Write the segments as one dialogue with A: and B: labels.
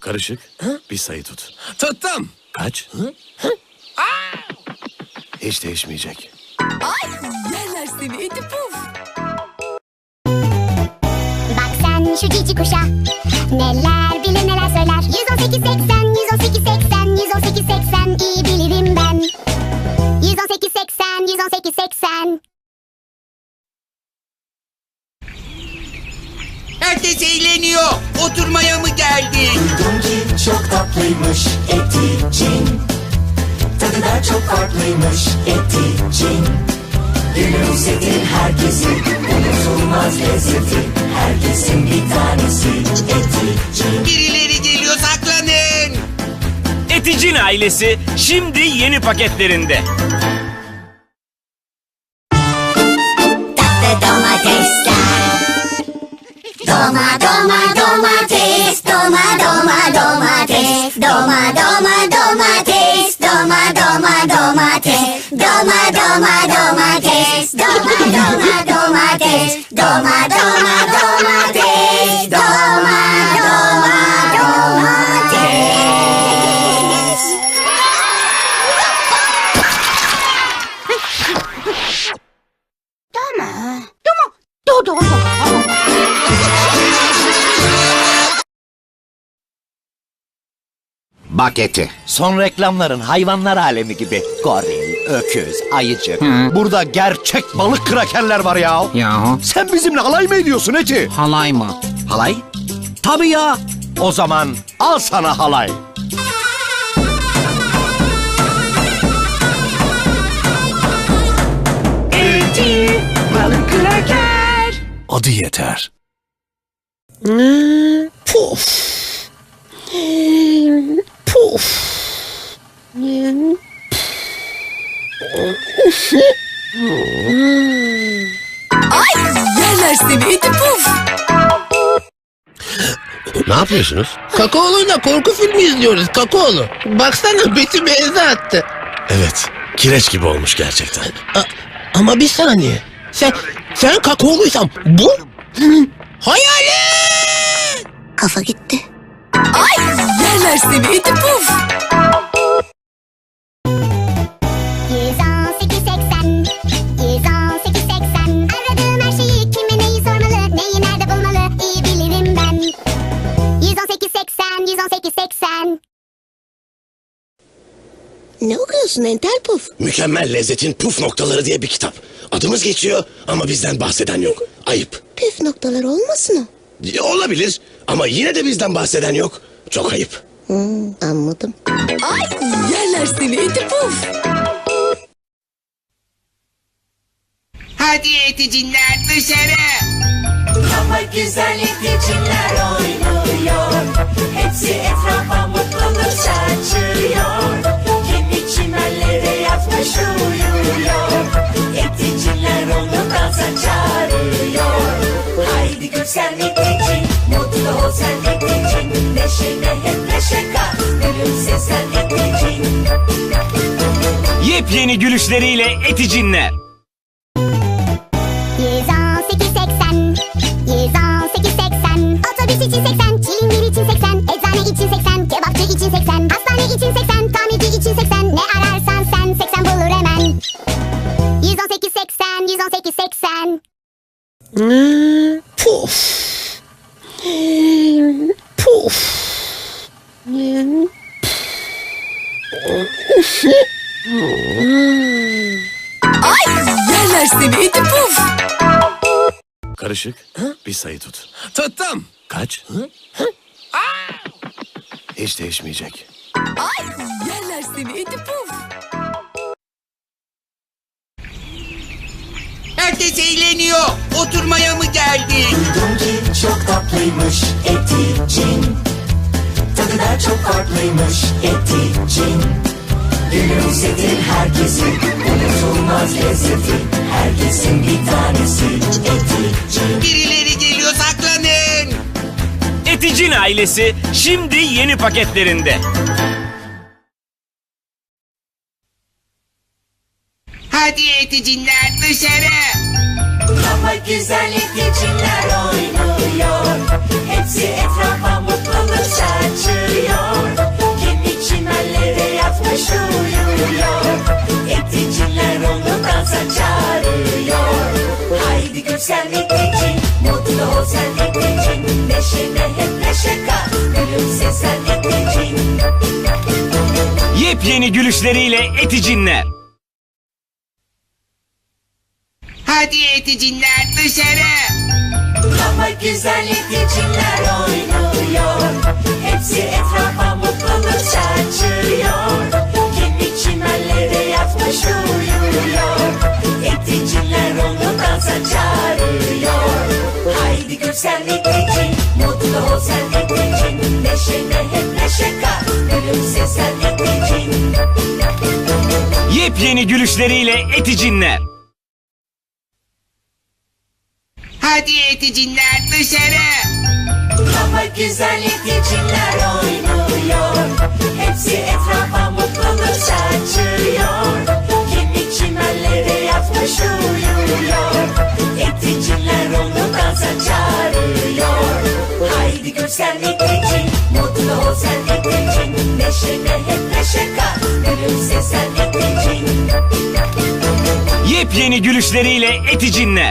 A: Karışık. Bir sayı tut.
B: Tuttum.
A: Kaç? Hiç değişmeyecek.
C: Ay yerler seni iti puf.
D: Bak sen şu cici kuşa, neler bilir neler söyler. 118 80, 118 80, 118 80, iyi bilirim ben. 118 80, 118 80.
B: Herkes eğleniyor. Oturmaya mı geldik?
E: Duydum ki çok tatlıymış Eticin. Tadı da çok farklıymış Eticin. Gülümsetir herkesi, unutulmaz lezzeti. Herkesin bir tanesi Eticin.
B: Birileri geliyor, saklanın.
F: Eticin ailesi şimdi yeni paketlerinde.
D: Tatlı domatesler. Doma doma domates, doma doma domates, doma doma domates, doma doma domates, doma doma domates, doma doma domates, doma doma domates, doma doma domates.
G: Bak Eti, son reklamların hayvanlar alemi gibi. Goril, öküz, ayıcık. Burada gerçek balık krakerler var ya.
H: Yahu
G: Sen bizimle alay mı ediyorsun Eti?
H: halay mı?
G: Halay? Tabii ya. O zaman al sana halay.
C: Eti balık kraker.
A: Adı yeter.
C: Puf. Puf. Ay yerler seni iti puf.
A: Ne yapıyorsunuz?
I: Kakaolu'yla korku filmi izliyoruz Kakaolu. Baksana beti benze attı.
A: Evet. Kireç gibi olmuş gerçekten.
I: Ama bir saniye. Sen Kakaolu'ysan bu hayalet.
D: Kafa gitti.
C: Ay yerler seni iti puf.
D: 118 80, 118 80. Aradığım her şeyi kime neyi sormalı, neyi nerede bulmalı, iyi bilirim ben. 118 80, 118 80.
C: Ne okuyorsun entel puf?
J: Mükemmel Lezzetin Puf Noktaları diye bir kitap. Adımız geçiyor ama bizden bahseden yok. Ayıp.
C: Püf noktalar olmasın o?
J: Olabilir ama yine de bizden bahseden yok. Çok ayıp.
C: Anladım. Ay yerler seni iti puf.
B: Hadi eticinler dışarı.
E: Ama güzel Eticinler oynuyor. Hepsi etrafa mutluluk saçıyor. Kendi çimenlere yatmış uyuyor. Eticinler onu dansa çağırıyor. Haydi gül sen Eticin, mutlu ol sen Eticin. Neşene hep neşe kat, gülümse sen Eticin.
F: Yepyeni gülüşleriyle Eticinler.
D: 118 80, 118 80. Otobüs için 80, çilingir için 80, eczane için 80, kebapçı için 80, hastane için 80, tamirci için 80. Ne ararsan sen 80 bulur hemen. 118 80, 118 80.
C: Puf. Puf. Ay yerler seni iti puf.
A: Karışık. Bir sayı tut.
B: Tuttum.
A: Kaç? Hiç değişmeyecek.
C: Ay yerler seni iti puf.
B: Herkes eğleniyor. Oturmaya mı geldik?
E: Duydum ki çok tatlıymış Eticin. Tadı da çok farklıymış Eticin. Gülümsetir herkesi, unutulmaz lezzeti. Herkesin bir tanesi Eticin.
B: Birileri geliyor, saklanın.
F: Eticin ailesi şimdi yeni paketlerinde.
B: Hadi eticinler dışarı.
E: Ama güzel Eticinler oynuyor. Hepsi etrafa mutluluk saçıyor.
F: Yepyeni gülüşleriyle Eticinler.
B: Hadi Eticinler dışarı.
E: Ama güzel Eticinler oynuyor. Hepsi etrafa mutluluk saçıyor. Kendi çimenlere yatmış uyuyor. Eticinler onu dansa çağırıyor. Haydi gül sen Eticin, mutlu ol sen Eticin. Neşene hep neşe kat, gülümse sen Eticin.
F: Yepyeni gülüşleriyle Eticinler.
B: Hadi Eticinler dışarı.
E: Ama güzel Eticinler oynuyor. Hepsi etrafa mutluluk saçıyor. Kendi çimenlere yatmış uyuyor. Eticinler onu dansa çağırıyor. Haydi gül sen Eticin, mutlu ol sen Eticin. Neşene hep neşe kat, gülümse sen Eticin.
F: Yepyeni gülüşleriyle Eticinler.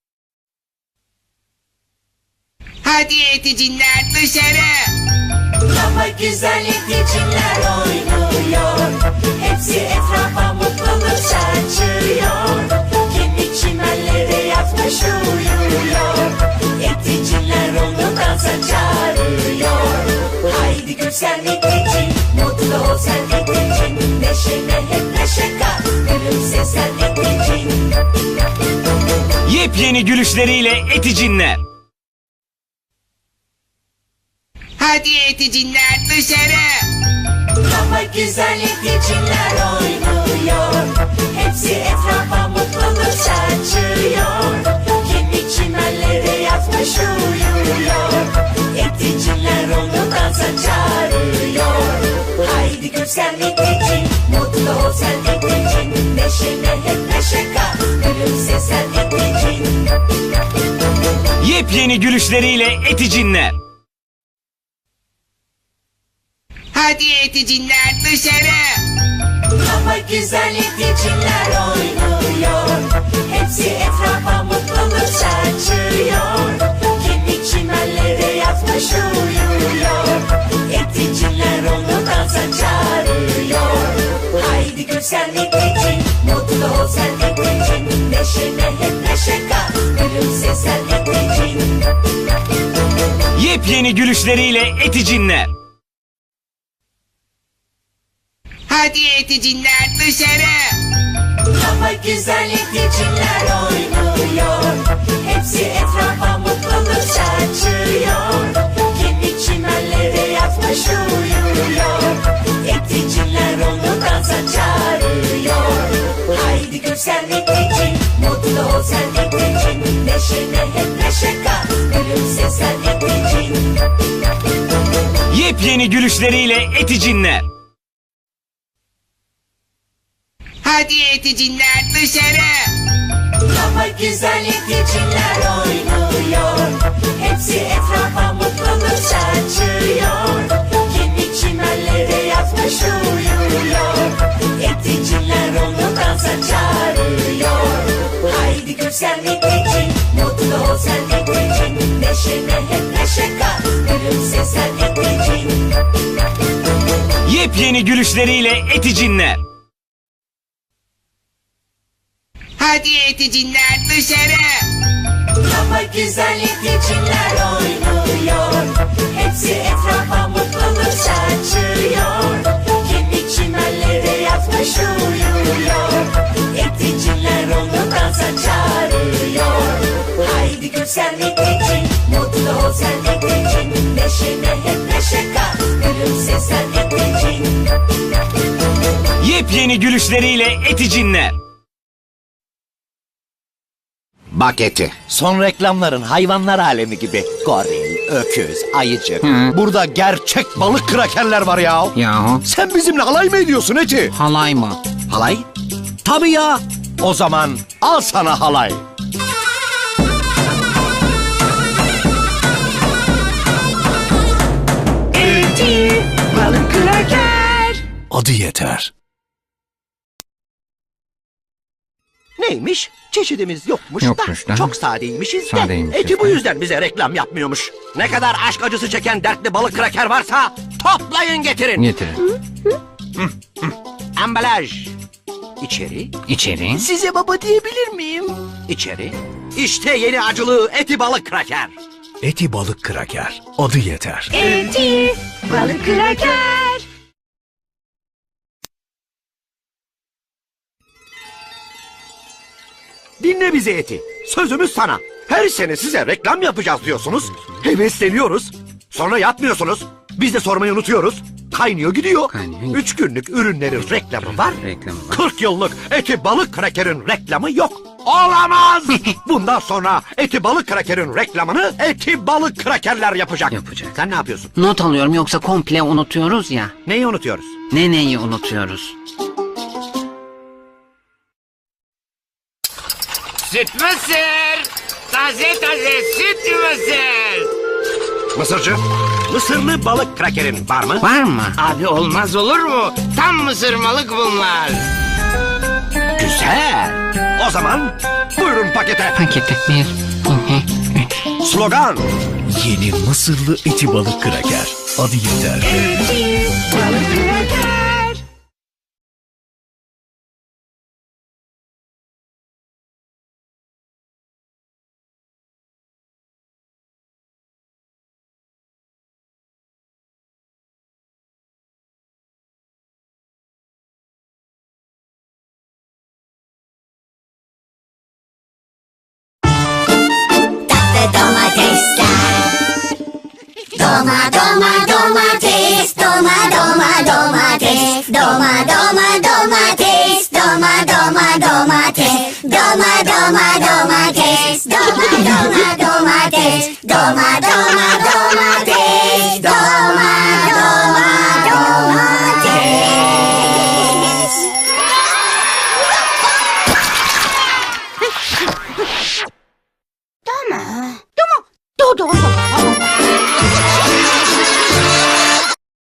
B: Hadi Eticinler dışarı.
E: Ama güzel Eticinler oynuyor. Hepsi etrafa mutluluk saçıyor. Kendi çimenlere yatmış uyuyor. Eticinler onu dansa çağırıyor. Haydi gül sen Eticin, mutlu ol sen Eticin. Neşene hep neşe kat, gülümse sen Eticin.
F: Yepyeni gülüşleriyle Eticinler.
B: Hadi Eticinler dışarı.
E: Ama güzel Eticinler oynuyor. Hepsi etrafa mutluluk saçıyor. Kendi çimenlere yatmış uyuyor. Eticinler onu dansa çağırıyor. Haydi gül sen Eticin, mutlu ol sen Eticin. Neşene hep neşe kat, gülümse sen Eticin.
F: Yepyeni gülüşleriyle Eticinler.
B: Hadi Eticinler dışarı.
E: Ama güzel Eticinler oynuyor. Hepsi etrafa mutluluk saçıyor. Kendi çimenlere yatmış uyuyor. Eticinler onu dansa çağırıyor. Haydi gül sen Eticin, mutlu ol sen Eticin. Neşene hep neşe kat, gülümse sen Eticin.
F: Yepyeni gülüşleriyle Eticinler.
B: Hadi Eticinler dışarı.
E: Ama güzel Eticinler oynuyor. Hepsi etrafa mutluluk saçıyor. Kendi çimenlere yatmış uyuyor. Eticinler onu dansa çağırıyor. Haydi gül sen Eticin, mutlu ol sen Eticin. Neşene hep neşe kat, gülümse sen Eticin.
F: Yepyeni gülüşleriyle Eticinler.
B: Hadi Eticinler dışarı.
E: Ama güzel Eticinler oynuyor. Hepsi etrafa mutluluk saçıyor. Kendi çimenlere yatmış uyuyor. Eticinler onu dansa çağırıyor. Haydi gül sen Eticin, mutlu ol sen Eticin. Neşene hep neşe kat, gülümse sen Eticin.
F: Yepyeni gülüşleriyle Eticinler.
B: Hadi Eticinler dışarı.
E: Ama güzel Eticinler oynuyor. Hepsi etrafa mutluluk saçıyor. Kendi çimenlere yatmış uyuyor. Eticinler onu dansa çağırıyor. Haydi gül sen Eticin, mutlu ol sen Eticin. Neşene hep neşe kat, gülümse sen Eticin.
F: Yepyeni gülüşleriyle Eticinler.
G: Bak Eti, son reklamların hayvanlar alemi gibi. Goril, öküz, ayıcık. Burada gerçek balık krakerler var ya.
H: Yahu.
G: Sen bizimle alay mı ediyorsun Eti?
H: Halay mı?
G: Halay? Tabii ya. O zaman al sana halay.
C: Eti, balık kraker.
A: Adı yeter.
G: Neymiş? Çeşidimiz yokmuş,
H: Yokmuş
G: da
H: da.
G: çok sadeymişiz de.
H: Sadeymişiz
G: Eti bu
H: de.
G: yüzden bize reklam yapmıyormuş. Ne kadar aşk acısı çeken dertli balık kraker varsa toplayın getirin.
H: Getirin.
G: Ambalaj. İçeri.
F: İçeri.
I: Size baba diyebilir miyim?
G: İçeri. İşte yeni acılı eti balık kraker.
H: Eti balık kraker. Adı yeter.
D: Balık kraker.
G: Dinle bizi Eti. Sözümüz sana. Her sene size reklam yapacağız diyorsunuz. Hevesleniyoruz. Sonra yapmıyorsunuz. Biz de sormayı unutuyoruz. Kaynıyor gidiyor. 3 günlük ürünlerin reklamı var. 40 yıllık eti balık krakerin reklamı yok. Olamaz. Bundan sonra eti balık krakerin reklamını eti balık krakerler yapacak. Sen ne yapıyorsun?
K: Not alıyorum yoksa komple unutuyoruz ya.
G: Neyi unutuyoruz?
K: Neyi unutuyoruz?
F: Süt mısır. Taze süt mısır.
G: Mısırcı, mısırlı balık krakerin var mı?
K: Var mı?
F: Abi olmaz olur mu? Tam mısırmalık bunlar.
G: Güzel. O zaman buyurun pakete.
K: Paketi 1, 2, 3.
G: Slogan.
H: Yeni Mısırlı eti balık kraker. Adı yeter.
D: Balık kraker. Domates, domates, domates, domates, domates, domates.